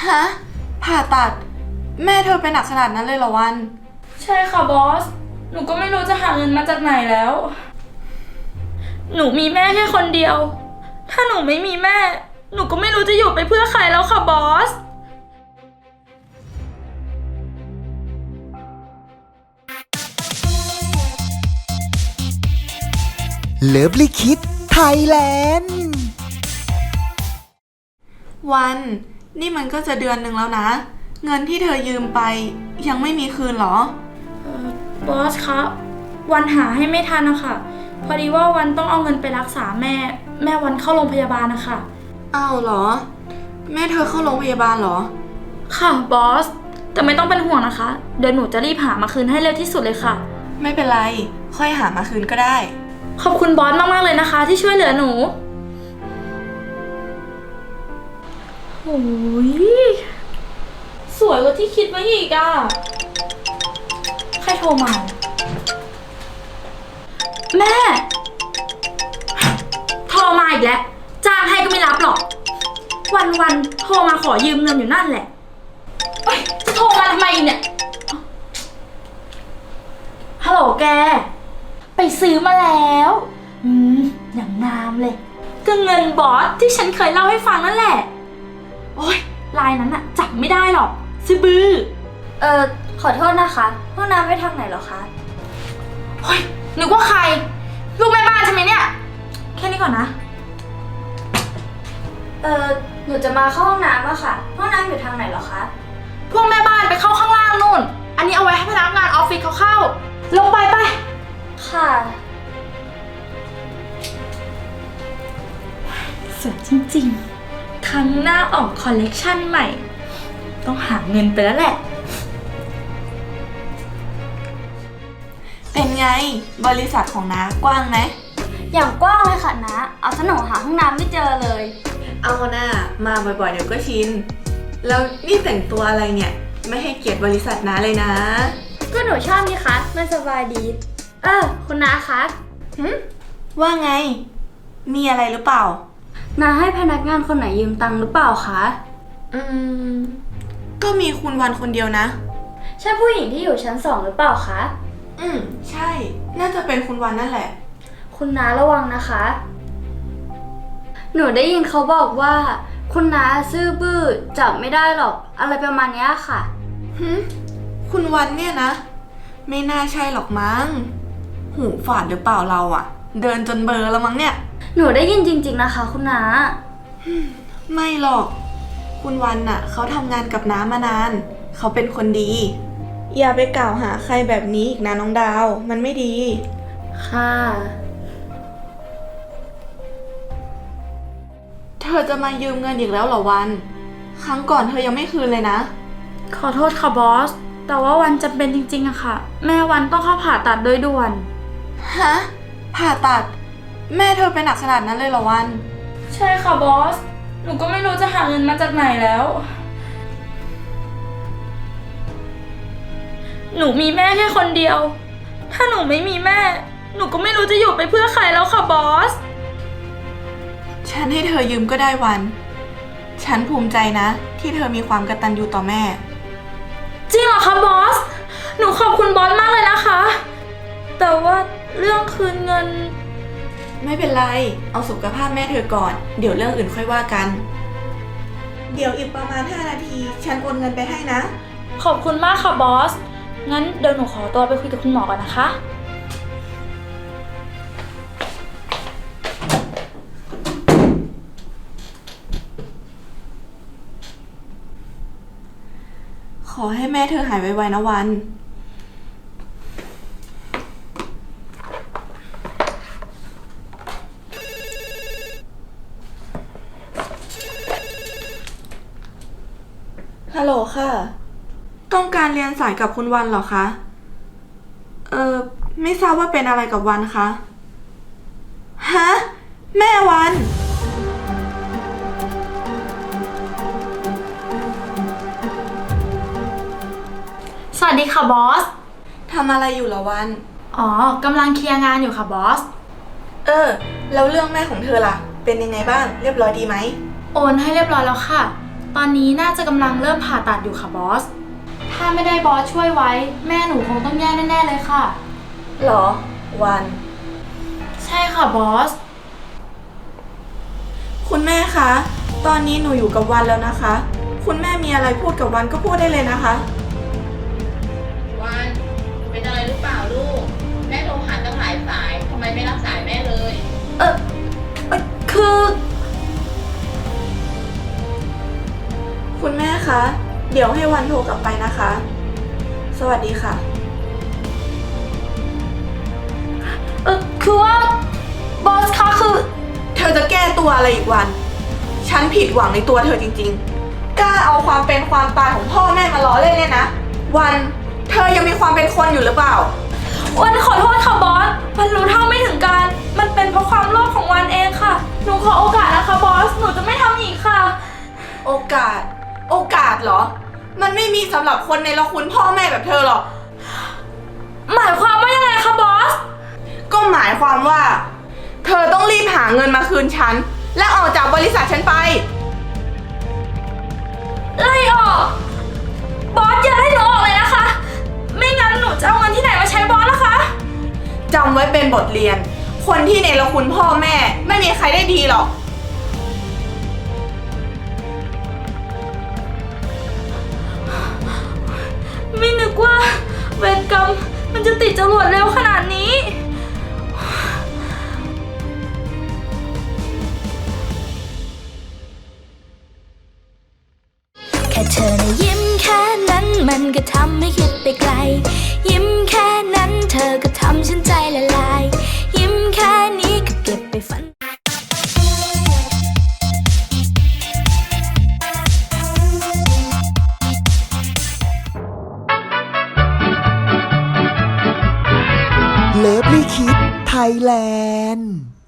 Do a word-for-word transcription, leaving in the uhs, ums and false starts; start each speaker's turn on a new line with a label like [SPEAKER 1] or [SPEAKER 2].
[SPEAKER 1] ฮะผ่าตัดแม่เธอเป็นหนักขนาดนั้นเลยเหรอวัน
[SPEAKER 2] ใช่ค่ะบอสหนูก็ไม่รู้จะหาเงินมาจากไหนแล้วหนูมีแม่แค่คนเดียวถ้าหนูไม่มีแม่หนูก็ไม่รู้จะอยู่ไปเพื่อใครแล้วค่ะบอส
[SPEAKER 3] เลิฟลิคิดไทยแลนด์
[SPEAKER 1] วันนี่มันก็จะเดือนหนึ่งแล้วนะเงินที่เธอยืมไปยังไม่มีคืนหรอ
[SPEAKER 2] เอ่อบอสคะวันหาให้ไม่ทันนะคะพอดีว่าวันต้องเอาเงินไปรักษาแม่แม่วันเข้าโรงพยาบาลนะคะ
[SPEAKER 1] อ้าวเหรอแม่เธอเข้าโรงพยาบาลเหรอ
[SPEAKER 2] ค่ะบอสแต่ไม่ต้องเป็นห่วงนะคะเดี๋ยวหนูจะรีบหามาคืนให้เร็วที่สุดเลยค่ะ
[SPEAKER 1] ไม่เป็นไรค่อยหามาคืนก็ได้
[SPEAKER 2] ขอบคุณบอสมากๆเลยนะคะที่ช่วยเหลือหนูโอ้ยสวยกว่าที่คิดไว้อีกอ่ะใครโทรมาแม่โทรมาอีกแล้วจ้างให้ก็ไม่รับหรอกวันๆโทรมาขอยืมเงินอยู่นั่นแหละเอ้ยจะโทรมาทำไมเนี่ยฮัลโหลแกไปซื้อมาแล้วอืมอย่างงามเลยก็เงินบอสที่ฉันเคยเล่าให้ฟังนั่นแหละโอ๊ยลายนั้นอะจับไม่ได้หรอกซื้อบื้อ
[SPEAKER 4] เอ่อขอโทษนะคะห้องน้ำไปทางไหนเหรอคะ
[SPEAKER 2] โอ๊ยนึกว่าใครลูกแม่บ้านใช่ไหมเนี่ยแค่นี้ก่อนนะ
[SPEAKER 4] เอ่อหนูจะมาเข้าห้องน้ำอะค่ะห้องน้ำอยู่ทางไหนเหรอคะ
[SPEAKER 2] พวกแม่บ้านไปเข้าข้างล่างนู่นอันนี้เอาไว้ให้พนักงานออฟฟิศเขาเข้าลงไปไป
[SPEAKER 4] ค่ะ
[SPEAKER 2] สวยจริงๆครั้งหน้าออกคอลเลกชันใหม่ต้องหาเงินไปแล้วแหละ
[SPEAKER 1] เป็นไงบริษัทของน้ากว้างไหม
[SPEAKER 4] อย่างกว้างเลยค่ะนะเอาซะหนูหาห้องน้ำไม่เจอเลย
[SPEAKER 1] เอาหน้ามาบ่อยๆเดี๋ยวก็ชินแล้วนี่แต่งตัวอะไรเนี่ยไม่ให้เกียรติบริษัทน้าเลยนะ
[SPEAKER 4] ก็หนูชอบนี่คะมันสบายดีเออคุณน้าคะ
[SPEAKER 1] หึว่าไงมีอะไรหรือเปล่า
[SPEAKER 4] น้าให้พนักงานคนไหนยืมตังค์หรือเปล่าคะ
[SPEAKER 1] อืมก็มีคุณวันคนเดียวนะ
[SPEAKER 4] ใช่ผู้หญิงที่อยู่ชั้นสองหรือเปล่าคะ
[SPEAKER 1] อืมใช่น่าจะเป็นคุณวันนั่นแหละ
[SPEAKER 4] คุณน้าระวังนะคะหนูได้ยินเขาบอกว่าคุณน้าซื่อบื้อจับไม่ได้หรอกอะไรประมาณนี้ค่ะ
[SPEAKER 1] หึคุณวันเนี่ยนะไม่น่าใช่หรอกมั้งหูฝาดหรือเปล่าเราอะเดินจนเบลอแล้วมั้งเนี่ย
[SPEAKER 4] หนูได้ยินจริงๆนะคะคุณน้า
[SPEAKER 1] ไม่หรอกคุณวันน่ะเขาทำงานกับน้ามานานเขาเป็นคนดีอย่าไปกล่าวหาใครแบบนี้อีกนะน้องดาวมันไม่ดี
[SPEAKER 4] ค่ะ
[SPEAKER 1] เธอจะมายืมเงินอีกแล้วเหรอวันครั้งก่อนเธอยังไม่คืนเลยนะ
[SPEAKER 2] ขอโทษค่ะบอสแต่ว่าวันจำเป็นจริงๆอะค่ะแม่วันต้องเข้าผ่าตัดโดยด่วน
[SPEAKER 1] ฮะผ่าตัดแม่เธอเป็นหนักขนาดนั้นเลยเหรอวัน
[SPEAKER 2] ใช่ค่ะบอสหนูก็ไม่รู้จะหาเงินมาจากไหนแล้วหนูมีแม่แค่คนเดียวถ้าหนูไม่มีแม่หนูก็ไม่รู้จะอยู่ไปเพื่อใครแล้วค่ะบอส
[SPEAKER 1] ฉันให้เธอยืมก็ได้วันฉันภูมิใจนะที่เธอมีความกตัญญูต่อแม่
[SPEAKER 2] จริงเหรอคะบอสหนูขอบคุณบอสมากเลยนะคะแต่ว่าเรื่องคืนเงิน
[SPEAKER 1] ไม่เป็นไรเอาสุขภาพแม่เธอก่อนเดี๋ยวเรื่องอื่นค่อยว่ากันเดี๋ยวอีกประมาณห้านาทีฉันโอนเงินไปให้นะ
[SPEAKER 2] ขอบคุณมากค่ะบอสงั้นเดี๋ยวหนูขอตัวไปคุยกับคุณหมอก่อนนะคะ
[SPEAKER 1] ขอให้แม่เธอหายไวๆนะวันฮัลโหลค่ะต้องการเรียนสายกับคุณวันเหรอคะเออไม่ทราบว่าเป็นอะไรกับวันคะฮะแม่วัน
[SPEAKER 2] สวัสดีค่ะบอส
[SPEAKER 1] ทำอะไรอยู่เหรอวัน
[SPEAKER 2] อ๋อกำลังเคลียร์งานอยู่ค่ะบอส
[SPEAKER 1] เออแล้วเรื่องแม่ของเธอล่ะเป็นยังไงบ้างเรียบร้อยดีไหม
[SPEAKER 2] โอนให้เรียบร้อยแล้วค่ะตอนนี้น่าจะกำลังเริ่มผ่าตัดอยู่ค่ะบอส ถ้าไม่ได้บอสช่วยไว้ แม่หนูคงต้องแย่แน่ๆเลยค่ะ
[SPEAKER 1] หรอ วัน
[SPEAKER 2] ใช่ค่ะบอส
[SPEAKER 1] คุณแม่คะ ตอนนี้หนูอยู่กับวันแล้วนะคะ คุณแม่มีอะไรพูดกับวันก็พูดได้เลยนะคะ
[SPEAKER 5] วันเป็นอะไรหรือเปล่าลูก แม่โทรหาตั้งหลายสายทำไมไม่รับสายแม่เลย
[SPEAKER 1] เออเอ่อคือ คุณแม่คะ เดี๋ยวให้วันโทรกลับไปนะคะ สวัสดีค่ะ
[SPEAKER 2] เออคือว่าบอสคะคือ
[SPEAKER 1] เธอจะแก้ตัวอะไรอีกวัน ฉันผิดหวังในตัวเธอจริงๆ กล้าเอาความเป็นความตายของพ่อแม่มาล้อเล่นเนี่ยนะ วัน เธอยังมีความเป็นคนอยู่หรือเปล่า
[SPEAKER 2] วันขอโทษค่ะบอส วันรู้เท่าไม่ถึงการ มันเป็นเพราะความโลภของวันเองค่ะ หนูขอโอกาสนะคะบอส หนูจะไม่ทำอีกค่ะ
[SPEAKER 1] โอกาส โอกาสเหรอ มันไม่มีสำหรับคนในละคุณพ่อแม่แบบเธอหรอก
[SPEAKER 2] หมายความว่ายังไงคะบอส
[SPEAKER 1] ก็หมายความว่า เธอต้องรีบหาเงินมาคืนฉัน และออกจากบริษัทฉันไป
[SPEAKER 2] ไล่ออก บอสอย่าให้หนูออกเลยนะคะ ไม่งั้นหนูจะเอาเงินที่ไหนมาใช้บอสล่ะคะ
[SPEAKER 1] จำไว้เป็นบทเรียน คนที่ในละคุณพ่อแม่ไม่มีใครได้ดีหรอก
[SPEAKER 2] ไม่นึกว่าเวรกรรมมันจะติดจรวดเร็วขนาดนี้
[SPEAKER 6] แค่เธอนะยิ้มแค่นั้นมันก็ทำให้คิดไปไกล ยิ้มแค่นั้นเธอก็ทำฉันใจละลาย ยิ้มแค่นี้ก็เก็บไปฝัน
[SPEAKER 3] เลิฟลี่คิดไทยแลนด์